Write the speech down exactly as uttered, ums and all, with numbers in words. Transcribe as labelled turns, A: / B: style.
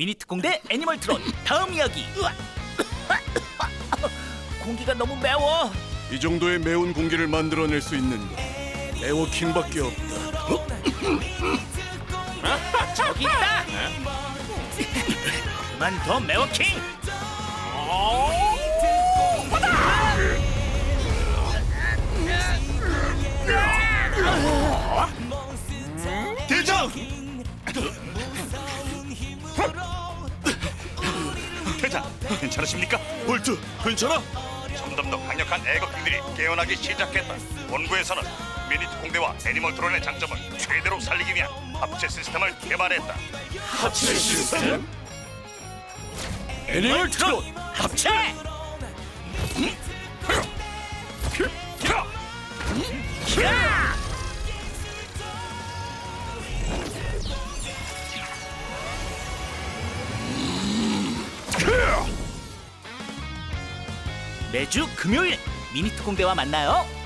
A: 미니 특공대 애니멀 트론 다음 이야기. 으악! 공기가 너무 매워.
B: 이 정도의 매운 공기를 만들어낼 수 있는 건 에워킹밖에 없다.
A: 저기 있다. 그만 더 매워킹.
B: 대장!
C: 대장, 괜찮으십니까?
B: 볼트, 괜찮아?
C: 점점 더 강력한 애거킹들이 깨어나기 시작했다. 본부에서는 미니 특공대와 애니멀 드론의 장점을 최대로 살리기 위한 합체 시스템을 개발했다.
B: 합체 시스템?
A: 애니멀 트론 합체. 야! 매주 금요일 미니 특공대와 만나요.